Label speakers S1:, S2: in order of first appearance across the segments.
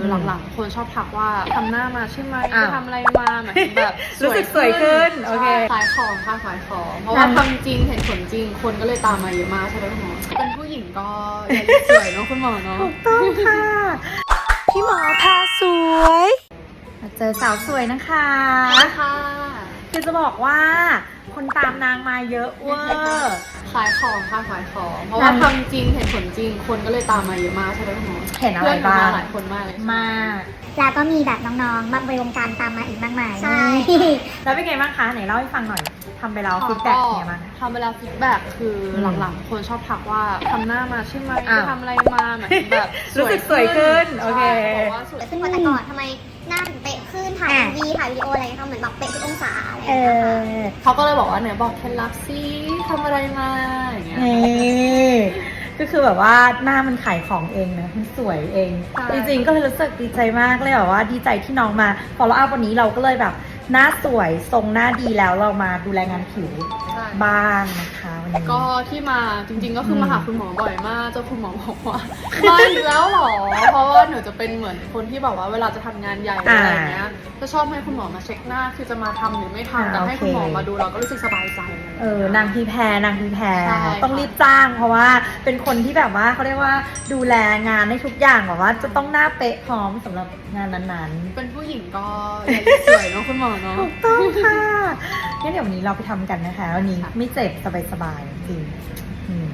S1: หลังๆคนชอบทักว่าทำหน้ามาใช่ไหมไปทำอะไรมาเหมือนแบบ
S2: รู้สึกสวยขึ้นโอเค
S1: ขายของค่ะขายของเพราะว่าทำจริงเห็นผลจริงคนก็เลยตามมาเยอะมากใช่ไหมคุณหมอเป็นผู้หญิงก็อย่าลืมสวยเนาะคุณหมอเนาะ
S2: ถูกต้องค่ะ พี่หมอพาสวยมาเจอสาวสวยนะคะ
S1: ค่ะ
S2: คือจะบอกว่าคนตามนางมาเยอะเวอร์
S1: ขายของค่ะขายของเพราะว่าทำจริงเห็นผลจริงคนก็เลยตามมาเยอะมากใช่ไหมคุณหมอ
S2: เห็นอะไรบ้าง
S1: หลายคนมากเลย
S2: มาก
S3: แล้วก็มีแบบน้องๆมาในวงการตามมาอีกมากมาย
S4: ใช่
S2: แล้วเป็นไงบ้างคะไหนเล่าให้ฟังหน่อยทำไปแล้วฟีดแบ็กเป็นไงบ้าง
S1: ทำเวลาฟีดแบ็กคือหลังๆคนชอบทักว่าทำหน้ามาใช่ไหมไปทำอะไรมาเหมือนแบบ
S2: รู้สึกสวยขึ้นโอเค
S1: บอกว่าสวย
S4: ขึ้นกว่าแต่ก่อนทำไมหน้าถึงเป๊ะขึ้นถ่ายวีถ่ายวิดีโออะไรเขาเหมือนแบบเป๊ะทุกองศาอะไรอย่างเงี้ยค่ะ
S1: เขาก็เลยบอกว่าเนี่ยบอกเคล็ดลับซิทำอะไรมาอย่างเงี้ย
S2: นี่ก็คือแบบว่าหน้ามันขายของเองนะมันสวยเอง
S1: ใช่
S2: จริงๆก็เลยรู้สึกดีใจมากเลยแบบว่าดีใจที่น้องมาfollow upวันนี้เราก็เลยแบบหน้าสวยทรงหน้าดีแล้วเรามาดูแลงานผิว
S1: ใช่
S2: บ้างนะคะวันนี้
S1: ก็ที่มาจริงๆก็คือมาหาคุณหมอบ่อยมากเจ้าคุณหมอบอกว่ามาอีกแล้วเหรอเพราะว่าหนูจะเป็นเหมือนคนที่แบบว่าเวลาจะทำงานใหญ่อะไรอย่างเงี้ยจะชอบให้คุณหมอมาเช็คหน้าคือจะมาทำหรือไม่ทำแต่ให้คุณหมอมาดูเราก็รู้สึกสบายใจ
S2: นางพีแพรนางพีแพร
S1: ใช่
S2: ต้องรีบจ้างเพราะว่าเป็นคนที่แบบว่าเขาเรียกว่าดูแลงานได้ทุกอย่างแบบว่าจะต้องหน้าเป๊ะพร้อมสำหรับงานนั้นๆ
S1: เป็นผู้หญิงก็อย่าลืมสวยเนาะคุณหมอเนาะ
S2: ถูกต้องค่ะงั้นเดี๋ยววันนี้เราไปทำกันนะคะวันนี้ไม่เจ็บสบายๆจริงอืม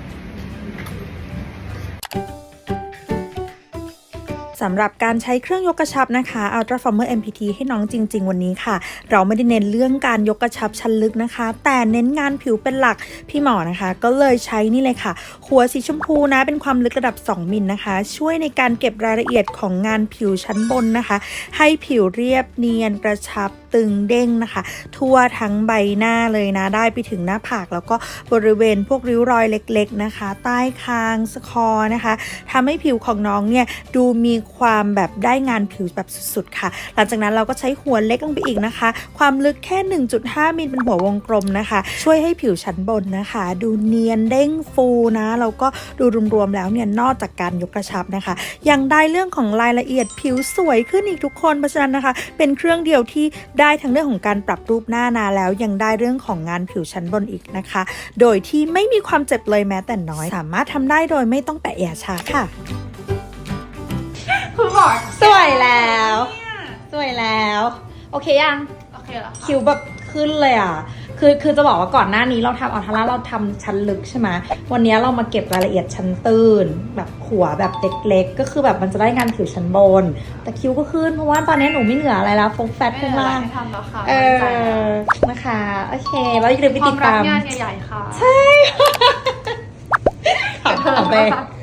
S2: สำหรับการใช้เครื่องยกกระชับนะคะ Ultra Former MPT ให้น้องจริงๆวันนี้ค่ะเราไม่ได้เน้นเรื่องการยกกระชับชั้นลึกนะคะแต่เน้นงานผิวเป็นหลักพี่หมอนะคะก็เลยใช้นี่เลยค่ะหัวสีชมพูนะเป็นความลึกระดับ2มิลนะคะช่วยในการเก็บรายละเอียดของงานผิวชั้นบนนะคะให้ผิวเรียบเนียนกระชับตึงเด้งนะคะทั่วทั้งใบหน้าเลยนะได้ไปถึงหน้าผากแล้วก็บริเวณพวกริ้วรอยเล็กๆนะคะใต้คางสะคอนะคะทำให้ผิวของน้องเนี่ยดูมีความแบบได้งานผิวแบบสุดๆค่ะหลังจากนั้นเราก็ใช้หัวเล็กลงไปอีกนะคะความลึกแค่ 1.5 มิลเป็นหัววงกลมนะคะช่วยให้ผิวชั้นบนนะคะดูเนียนเด้งฟูนะแล้วก็ดูรวมๆแล้วเนี่ยนอกจากการยกกระชับนะคะยังได้เรื่องของรายละเอียดผิวสวยขึ้นอีกทุกคนเพราะฉะนั้นนะคะเป็นเครื่องเดียวที่ได้ทั้งเรื่องของการปรับรูปหน้านาแล้วยังได้เรื่องของงานผิวชั้นบนอีกนะคะโดยที่ไม่มีความเจ็บเลยแม้แต่น้อยสามารถทำได้โดยไม่ต้องแปะยาชาค่ะ
S1: คุณหมอ
S2: สวยแล้วสวยแล้วโอเคยัง
S1: โอเคแล้ว
S2: คิวแบบขึ้นเลยอ่ะคือจะบอกว่าก่อนหน้านี้เราทำอัลทาร่าเราทำชั้นลึกใช่ไหมวันนี้เรามาเก็บรายละเอียดชั้นตื้นแบบหัวแบบเล็กๆก็คือแบบมันจะได้งานผิวชั้นบนแต่คิวก็ขึ้นเพราะว่าตอนนี้หนูไม่เหลืออะไรแล้วโฟกัสข้างล่าง
S1: ไม่ทำแล้วค่ะ
S2: นะคะโอเคแล้วอย่าลืมไป
S1: ควา
S2: ติ
S1: ม
S2: ด
S1: รัก
S2: ตาม
S1: งานใหญ่ๆค่ะ
S2: ขอบคุณ